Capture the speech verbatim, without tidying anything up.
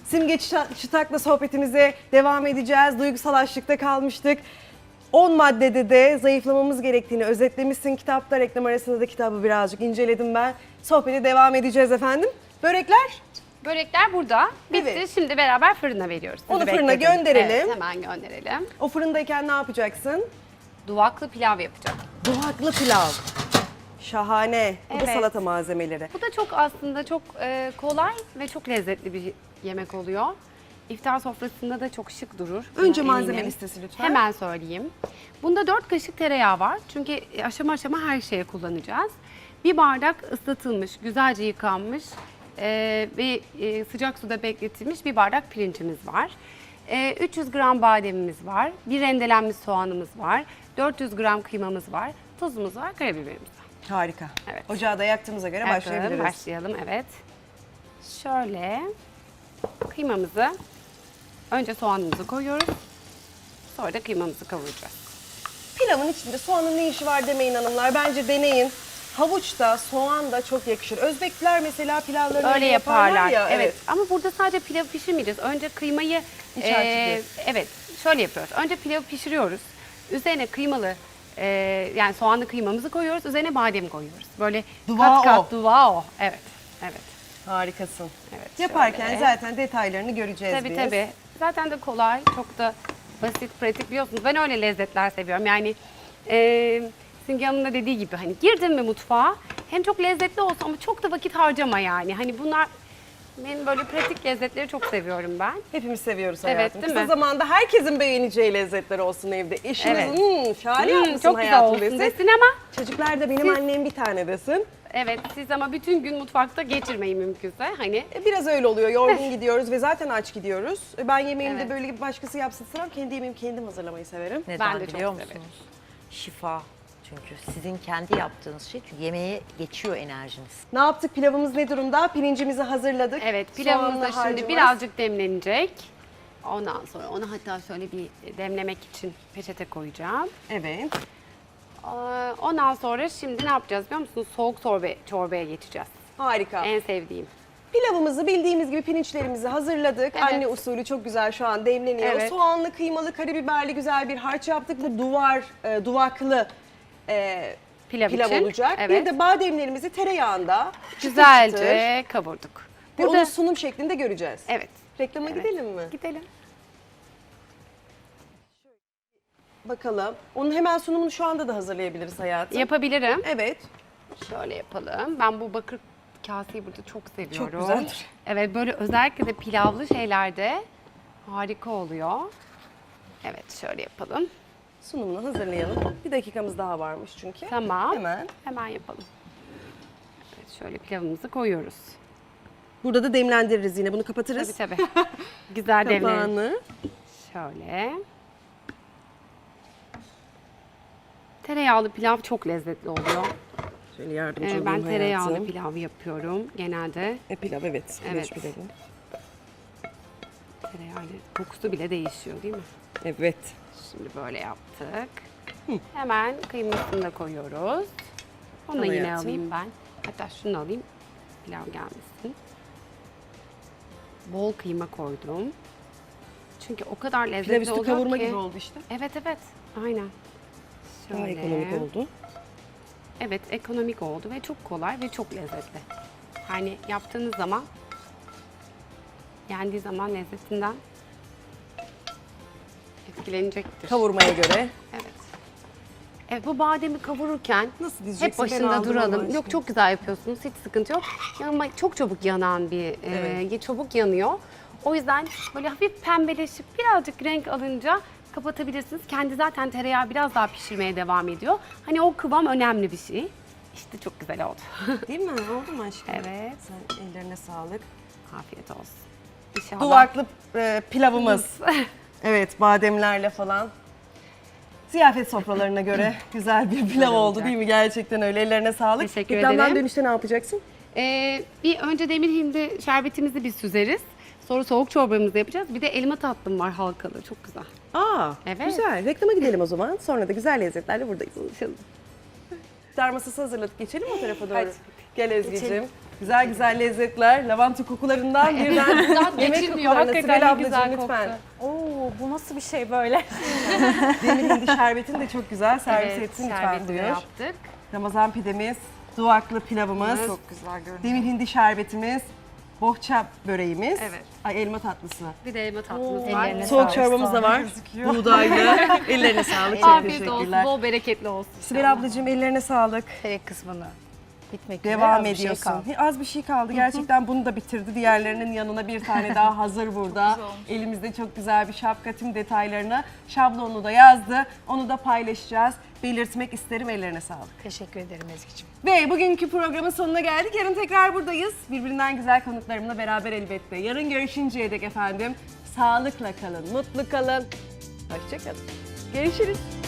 Simge Çıta- Çıtak'la sohbetimize devam edeceğiz. Duygusal açlıkta kalmıştık. on maddede de zayıflamamız gerektiğini özetlemişsin kitapta. Reklam arasında da kitabı birazcık inceledim ben. Sohbete devam edeceğiz efendim. Börekler? Börekler burada. Bitti. Evet. Şimdi beraber fırına veriyoruz. Sizi Onu fırına bekledim. gönderelim. Evet, hemen gönderelim. O fırındayken ne yapacaksın? Duvaklı pilav yapacağım. Duvaklı pilav. Şahane. Bu da Evet. salata malzemeleri. Bu da çok aslında çok e, kolay ve çok lezzetli bir yemek oluyor. İftar sofrasında da çok şık durur. Önce Buna malzeme eminim. listesi lütfen. Hemen söyleyeyim. Bunda dört kaşık tereyağı var. Çünkü aşama aşama her şeye kullanacağız. Bir bardak ıslatılmış, güzelce yıkanmış e, ve e, sıcak suda bekletilmiş bir bardak pirincimiz var. E, üç yüz gram bademimiz var. Bir rendelenmiş soğanımız var. dört yüz gram kıymamız var. Tuzumuz var, karabiberimiz var. Harika. Evet. Ocağı da yaktığımıza göre Yakalım, başlayabiliriz. Başlayalım, evet. Şöyle kıymamızı, önce soğanımızı koyuyoruz. Sonra da kıymamızı kavuracağız. Pilavın içinde soğanın ne işi var demeyin hanımlar. Bence deneyin. Havuç da soğan da çok yakışır. Özbekler mesela pilavlarını Öyle yaparlar. ya. Evet. Ama burada sadece pilavı pişirmeyeceğiz. Önce kıymayı İç eee, harcı evet, şöyle yapıyoruz. Önce pilavı pişiriyoruz. Üzerine kıymalı eee, yani soğanlı kıymamızı koyuyoruz. Üzerine badem koyuyoruz. Böyle Duvao. kat kat duvao. Evet. Evet. Harikasın. Evet, Yaparken şöyle. zaten detaylarını göreceğiz Tabii biz. tabii. Zaten de kolay, çok da basit, pratik biliyorsunuz. Ben öyle lezzetler seviyorum. Yani e, Simge Hanım'ın da dediği gibi hani girdin mi mutfağa hem çok lezzetli olsun ama çok da vakit harcama yani. Hani bunlar benim böyle pratik lezzetleri çok seviyorum ben. Hepimiz seviyoruz Evet, hayatım. değil Kısa mi? zamanda herkesin beğeneceği lezzetler olsun evde. Eşiniz Evet. "Hmm, şahane Hmm, yapmışsın çok güzel hayatım" olsun desin. desin ama Çocuklar da benim Siz- annem bir tane desin. evet siz ama bütün gün mutfakta geçirmeyin mümkünse. Hani E, Biraz öyle oluyor. Yorgun gidiyoruz ve zaten aç gidiyoruz. E, Ben yemeğimi de Evet. böyle bir başkası yapsın istemem. Kendi yemeğimi kendim hazırlamayı severim. Neden Ben de çok biliyor severim. musunuz? Şifa. Çünkü sizin kendi yaptığınız şey çünkü yemeğe geçiyor enerjiniz. Ne yaptık? Pilavımız ne durumda? Pirincimizi hazırladık. evet pilavımız Soğanlı da şimdi harcımız. birazcık demlenecek. Ondan sonra onu hatta şöyle bir demlemek için peçete koyacağım. Evet. Ee, Ondan sonra şimdi ne yapacağız biliyor musunuz? Soğuk çorba, çorbaya geçeceğiz. Harika. En sevdiğim. Pilavımızı bildiğimiz gibi pirinçlerimizi hazırladık. Evet. Anne usulü çok güzel şu an demleniyor. Evet. Soğanlı, kıymalı, karabiberli güzel bir harç yaptık. Bu duvar, e, duvaklı e, Pilav pilav için. olacak. Evet. Bir de bademlerimizi tereyağında çıtır çıtır Güzelce kavurduk. ve Burada onu sunum şeklinde göreceğiz. evet. Reklama Evet. gidelim mi? Gidelim. Bakalım. Onun hemen sunumunu şu anda da hazırlayabiliriz hayatım. Yapabilirim. Evet. Şöyle yapalım. Ben bu bakır kaseyi burada çok seviyorum. güzeldir. Evet böyle özellikle de pilavlı şeylerde harika oluyor. Evet şöyle yapalım. Sunumunu hazırlayalım. Bir dakikamız daha varmış çünkü. Tamam. Hemen. Hemen yapalım. Evet şöyle pilavımızı koyuyoruz. Burada da demlendiririz yine. Bunu kapatırız. Tabii tabii. Güzel demleyelim. Kapağını. Şöyle. Tereyağlı pilav çok lezzetli oluyor. Şöyle yardımcı Ee, olayım ben tereyağlı hayatım. pilav yapıyorum genelde. E, pilav evet. Evet. Pirinç pilavı. Tereyağlı kokusu bile değişiyor değil mi? Evet. Şimdi böyle yaptık. Hemen kıymasını da koyuyoruz. Onu da Al yine hayatım. alayım ben. Hatta şunu alayım. Pilav gelmesin. Bol kıyma koydum. Çünkü o kadar lezzetli Pilav üstü oluyor kavurma ki. gibi oldu işte. Evet evet. Aynen. Daha Şöyle. ekonomik oldu. Evet ekonomik oldu ve çok kolay ve çok lezzetli. Yani yaptığınız zaman yendiği zaman lezzetinden etkilenecektir. Kavurmaya göre. Evet. Evet bu bademi kavururken Nasıl diyeceksin? hep Ben başında aldım Allah duralım. aşkına. Yok çok güzel yapıyorsunuz. Hiç sıkıntı yok. Ama çok çabuk yanan bir, e, çabuk yanıyor. O yüzden böyle hafif pembeleşip birazcık renk alınca kapatabilirsiniz. Kendi zaten tereyağı biraz daha pişirmeye devam ediyor. Hani o kıvam önemli bir şey. İşte çok güzel oldu. Değil mi? Oldu mu aşkım? Evet. Sen ellerine sağlık. Afiyet olsun. İnşallah. Duvaklı e, pilavımız. Evet, bademlerle falan. Ziyafet sofralarına göre güzel bir pilav oldu olacak. değil mi? Gerçekten öyle. Ellerine sağlık. Teşekkür Reklamdan ederim. dönüşte ne yapacaksın? Ee, bir önce demir hindi şerbetimizi bir süzeriz. Sonra soğuk çorbamızı yapacağız. Bir de elma tatlım var halkalı. Çok güzel. Aa, Evet. güzel. Reklama gidelim o zaman. Sonra da güzel lezzetlerle buradayız. İftar masası hazırladık. Geçelim mi o tarafa doğru? Hadi. Gel Ezgi'cim. Güzel güzel lezzetler, lavanta kokularından birden yemek geçilmiyor. kokularına. Hakikaten Sibel ne ablacığım güzel lütfen. Oo, bu nasıl bir şey böyle? Demir hindi şerbetini de çok güzel servis Evet, etsin lütfen şerbeti de diyor. yaptık. Ramazan pidemiz, duvaklı pilavımız, Çok güzel görünüyor. demir hindi şerbetimiz, bohça böreğimiz, Evet. ay elma tatlısı. Bir de elma tatlımız Oo, var. ellerine Soğuk sağlık, çorbamız da var. gözüküyor. Buğdaylı. Ellerine sağlık. Çok Afiyet olsun, teşekkürler. bol bereketli olsun. Sibel ablacığım ellerine sağlık. Tek kısmını bitmek üzere Devam az bir şey ediyorsun. kaldı. Az bir şey kaldı. Gerçekten bunu da bitirdi. Diğerlerinin yanına bir tane daha hazır burada. Elimizde çok güzel bir şapka, tüm detaylarını, şablonunu da yazdı. Onu da paylaşacağız. Belirtmek isterim. Ellerine sağlık. Teşekkür ederim Ezgi'ciğim. Ve bugünkü programın sonuna geldik. Yarın tekrar buradayız. Birbirinden güzel konuklarımla beraber elbette. Yarın görüşünceye dek efendim. Sağlıkla kalın, mutlu kalın. Hoşça kalın. Görüşürüz.